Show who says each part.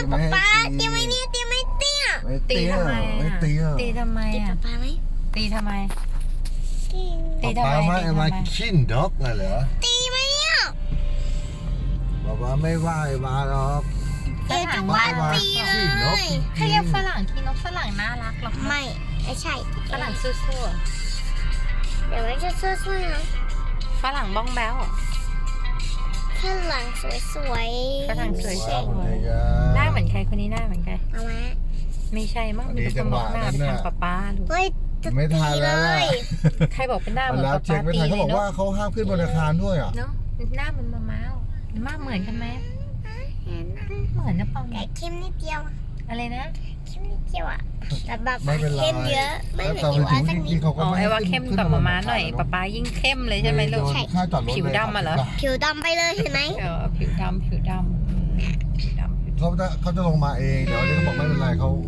Speaker 1: ไม่ให้
Speaker 2: ป้า
Speaker 1: ตี
Speaker 2: ตีไหมเนี่ยตีไหมเตี้ย
Speaker 1: ไม่
Speaker 3: ตี
Speaker 1: เตี้ย
Speaker 3: ทำไม
Speaker 1: ไม่
Speaker 3: อ่ะ
Speaker 1: เตี้ย
Speaker 3: ตีทำไม
Speaker 2: ตี
Speaker 3: อ่ะ
Speaker 2: ป้าไหม
Speaker 3: ตีทำไม
Speaker 2: ตี
Speaker 3: ตีทำไม
Speaker 1: ป๊า
Speaker 3: ตี
Speaker 1: มา
Speaker 3: ทำไม
Speaker 1: มาขี้นดอกไงเหรอ
Speaker 2: ตีไหมเนี่ย
Speaker 1: บอกว่าไม่ไหวมาหรอก
Speaker 2: เดี๋ยวจะว่าตีเลย
Speaker 3: ให้เรียกฝรั่งที่นกฝรั่งน่ารักหรอกนะ
Speaker 2: ไม่ใช่
Speaker 3: ฝรั่งสู้
Speaker 2: เดี๋ยวไม่จะช่วยๆนะ
Speaker 3: ๆฝรั่งบ้องแบ้ว
Speaker 2: ฝรั่งสวยๆ
Speaker 3: ฝรั่งสวย
Speaker 1: ว้าวคนไทย
Speaker 3: หน้าเหมือนใครคนนี้หน้าเหมือนใคร
Speaker 2: เอามา
Speaker 3: ไม่ใช่มั้ง
Speaker 1: อัน
Speaker 3: มี
Speaker 1: นี้
Speaker 3: แต่คนมองหน้า
Speaker 1: จังหวะนั้น
Speaker 3: ไปทาง
Speaker 1: น่ะ
Speaker 3: ป้าลูก
Speaker 2: เฮ้ยจะ
Speaker 1: ไม่
Speaker 2: ตี
Speaker 1: ทัน
Speaker 2: เล
Speaker 1: แล้วล่ะ
Speaker 2: ย
Speaker 3: ใครบอกเป็นหน้าเหมือน
Speaker 1: แล้ว
Speaker 3: ป้า
Speaker 1: เช็คไม่
Speaker 3: ตี
Speaker 1: ทันเขา
Speaker 3: เล
Speaker 1: บอย ก
Speaker 3: เนาะ
Speaker 1: ว่าเขาห้ามขึ้นบนอาคารด้วยอ่ะ
Speaker 3: เนาะหน้ามันมาม้าวหน้าเหมือนกันไหม
Speaker 2: เห็นนะ
Speaker 3: เหมือนนะเปล่า
Speaker 2: แต่เข้มนิดเดียว
Speaker 3: อะไรนะ
Speaker 2: เข้มนิดเดียวอะแต่แบบ
Speaker 1: ไม่เป็นไร
Speaker 2: เข้มเยอะไม่เหมือน
Speaker 1: แต่
Speaker 2: อยู่
Speaker 1: ถึ
Speaker 2: อาง สักนิ
Speaker 1: ที่
Speaker 2: ด
Speaker 1: เขาก็
Speaker 3: อ๋อ
Speaker 1: ไม่
Speaker 3: ไอ้
Speaker 1: ให้
Speaker 3: ว่าเข้ม
Speaker 1: ขึ้น
Speaker 3: กับ
Speaker 1: บน
Speaker 3: มาม้าหน่อยป้ายิ่งเข้มเลยใช่ไหมลูก
Speaker 1: โดนค่าจอดรถ
Speaker 3: ผิวดำอะเหรอ
Speaker 2: ผิวดำไปเลยเห็นไหม
Speaker 3: ผิวดำผิวดำผิวดำ
Speaker 1: เขาจะลงมาเองเดี๋ยวนี้เขาบอกไม่เป็นไรเขา